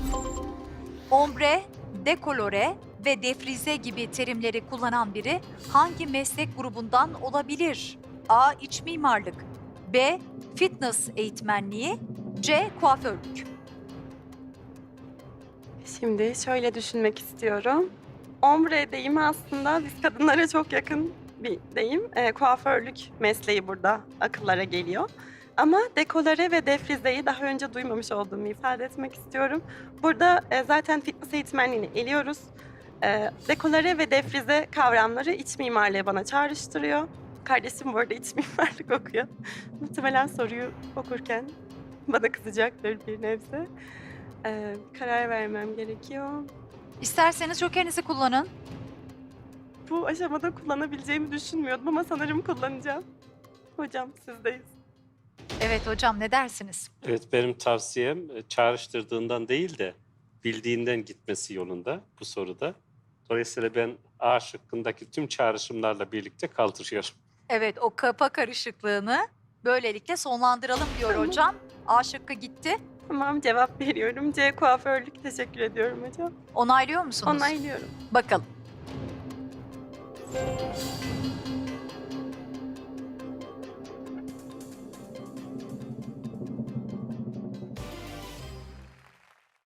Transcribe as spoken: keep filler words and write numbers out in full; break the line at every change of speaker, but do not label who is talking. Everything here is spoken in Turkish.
Ombre, dekolore ve defrize gibi terimleri kullanan biri hangi meslek grubundan olabilir? A. İç mimarlık, B. Fitness eğitmenliği, C. Kuaförlük.
Şimdi şöyle düşünmek istiyorum. Ombre deyimi aslında biz kadınlara çok yakın bir deyim. Eee, kuaförlük mesleği burada akıllara geliyor. Ama dekolore ve defrizeyi daha önce duymamış olduğumu ifade etmek istiyorum. Burada, eee, zaten fitness eğitmenliğini eliyoruz. Eee, dekolore ve defrize kavramları iç mimarlığı bana çağrıştırıyor. Kardeşim bu arada iç mimarlık okuyor. Muhtemelen soruyu okurken bana kızacaktır bir nebze. Eee, karar vermem gerekiyor.
İsterseniz jokerinizi kullanın.
Bu aşamada kullanabileceğimi düşünmüyordum ama sanırım kullanacağım. Hocam sizdeyiz.
Evet hocam, ne dersiniz?
Evet, benim tavsiyem e, çağrıştırdığından değil de bildiğinden gitmesi yolunda bu soruda. Dolayısıyla ben A şıkkındaki tüm çağrışımlarla birlikte kaldırıyorum.
Evet, o kafa karışıklığını böylelikle sonlandıralım diyor
Tamam.
hocam. A şıkkı gitti.
Tamam, cevap veriyorum. C kuaförlük. Teşekkür ediyorum hocam.
Onaylıyor musunuz?
Onaylıyorum.
Bakalım.